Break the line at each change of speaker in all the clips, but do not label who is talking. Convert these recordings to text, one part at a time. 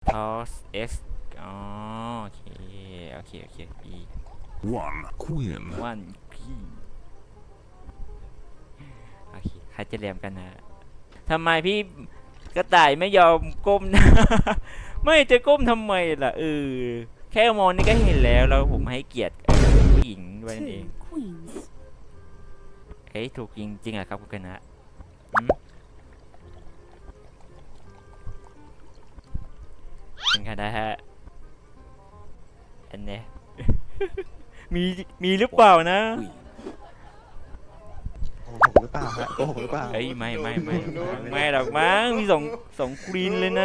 toss x อ๋อโอเคโอเคโอเค e
One queen.
one p โอเคใครจะเรียมกันนะทำไมพี่กระต่ายไม่ยอมก้มนะ ไม่จะก้มทำไมล่ะแค่มองนี่ก็เห็นแล้วผมให้เกียรติผู้หญิงด้วยนั่นเอง
Two queens.
เฮ้ยถูกจริงๆเหรอครับคุณคณะเป็นคณะฮะอันเนี้ย มีหรือเปล่านะ
โกหกหรือเปล่าฮะโกหกหรือเปล่า
เอ้ยไม่หรอกมั้งมีสองควีนเลยนะ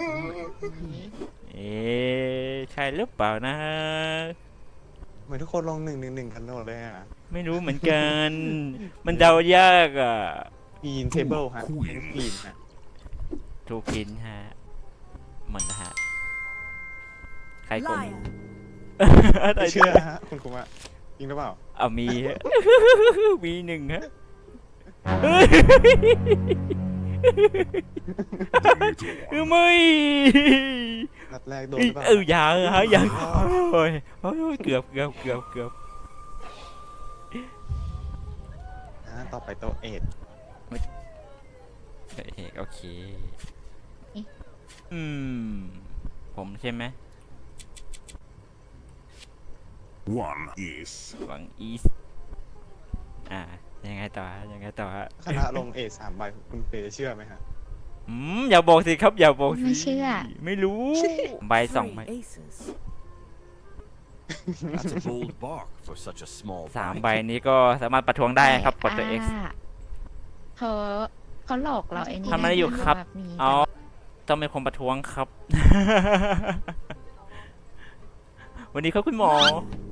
ใช่หรือเปล่านะ
เหมือนทุกคนลง1-1กันหมดเลยอ่ะ
ไม่รู้เหมือนกัน มันเดายากอ่ะ
ปีนเทเบิลฮะปีนฮะ
ถูกกินฮะหมดนะฮะใครกลม
Liar.
อะไร
ไม่เชื่อฮะคุณครูอะจริงหรือเปล่า
เอามีฮะ มีหนึ่งฮะ ไม่
นัดแรกโดนหรือเปล่า
อย่าฮะอย่าโอ้ยเกือบ
ต่อไปโตเอ็ด
โอเคผมใช่ไหม
One is.
หวังอีสยังไงต่อฮะ
คณะลงเอ็ด3 ใบคุณเฟย์จะเชื่อไหมฮะ
อย่าบอกสิครับอย่าบอกสิ
ไม่เชื่อ
ไม่รู้ใบสอง
Three
ใบ
aces.
That's a bold bark for such a small
สาม
bite.
ใบนี้ก็สามารถประท้วงได้ครับกดตัว X
เขาหลอกเราไอ้นี่
ทำอะไรอยู่ครับ
แบบนี้
อ๋อต้องเป็นคนประท้วงครับ วันนี้ครับคุณหมอ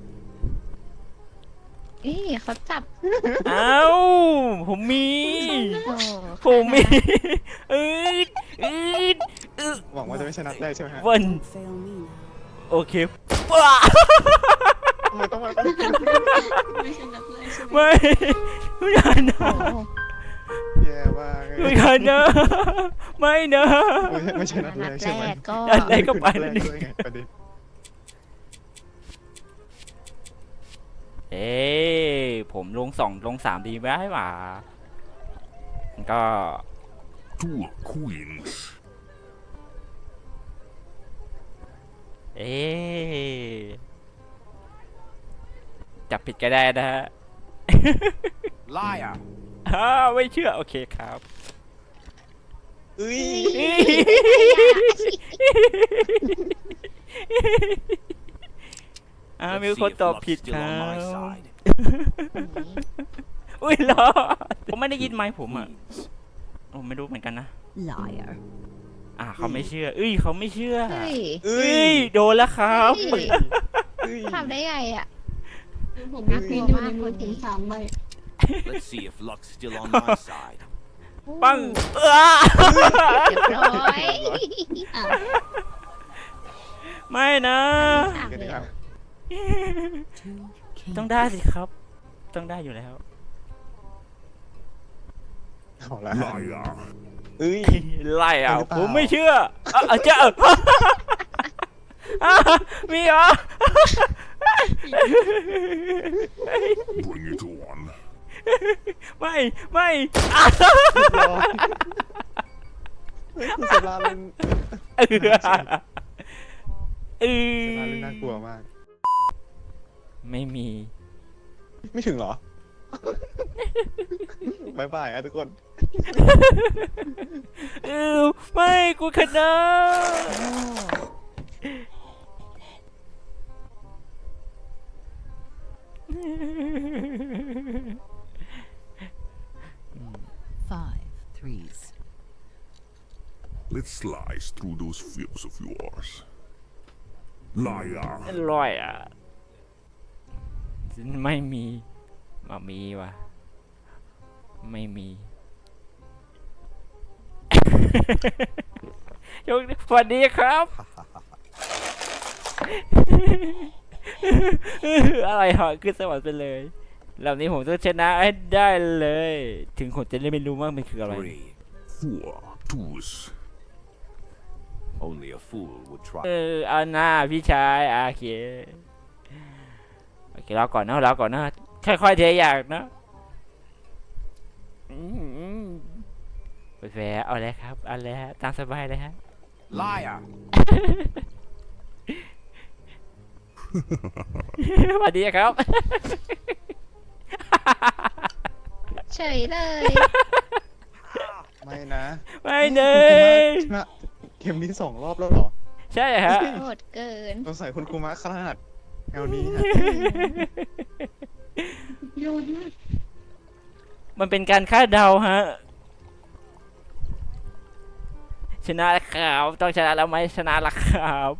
นี่เขาจับ
เอ้าผมมี
โอ้
ผมมีอืด
หวังว่าจะไม่ใช่นัดแรกใช่ไหมฮะ
วัน
Don't fail me now.
โอเคว้า
ทำไมต้องมา
ไม่ใช่นักเลยใช่ไหม
ไม่อย่านะ
โอ้
แย่มากเลย
ไม่อย่านะไม่นะ
ไม่ใช่นัดแร
นั
ก
ด
ใช่ไหม
แรกก็
นัดแรกก็ไป
นัด
แล้ว
แรก
นี่
ด้วยไงประเด็น
ผมลง3ดีไหมหว่าก็
Two queens.
จับผิดก็ได้นะฮะ
Liar!
ไม่เชื่อโอเคครับ
เอ้ย
Let's
มี
see
คน
if
ตอบ
luck's
ผิดค
still
รั
on my
บ
side.
อุ้ยรอผมไม่ได้ยินไมค์ผมอ่ะ
Queens.
ผมไม่รู้เหมือนกันนะ
Liar.
เขาไม่เชื่อเขาไม่เชื่อ
เฮ้ย
เอ้ย
โดนแล้วครับ
เฮ้ย
เอ้ย
ทำได้ไงอ่ะ
ผมมีควีนอยู่ในมือถึง3 ใบ
Let's see if luck's still on my side.
ปัง
เรียบร้อย
ไม่นะ
สาม
กัน
เล
ดี
ย
ครับ
Two kings.
ต้องได้สิครับ ต้องได้อยู่แล้ว
เอาละ
Liar.
เอ้ย
ไล่
หรือเปล่า
ผมไม่เชื่อเจ้ามีเหรอ
Bring it on.
ไม่
เฮ้ยคุณเซราเล่น
เออ
เซราเล่นน่ากลัวมาก
ไม่มี
ไม่ถึงเหรอ บายบายอะทุกคน
ไม่กูชนะ
Five threes.
Let's slice through those fears of yours. Liar.
อร่อยไม่มีมีว่ะไม่มี สวัสดีครับ อะไรเหรอขึ้นสวรรค์ไปเลยเหล่านี้ผมต้องชนะให้ได้เลย ถึงผมจะไม่รู้ว่ามันคืออะไร
Three.
Four twos.
Only a fool would try.
เอาหน้าพี่ชายโอเครอก่อนนะรอก่อนนะค่อยๆเทอย่างนะแฝงเอาเลยครับเอาเลยฮะตามสบายเลยฮะ
Liar!
สวัสดีครับ
เฉยเลย
ไม่นะ
ไม่เนย
ชนะเกมนี้2 รอบแล้วเหรอ
ใช่ฮะ
โหดเกิน
สงสัยคุณครูมะขนาดแนวนี้ฮะ
โยนมาก
มันเป็นการคาดเดาฮะชนะแล้วครับต้องชนะแล้วไหมชนะแล้วครับ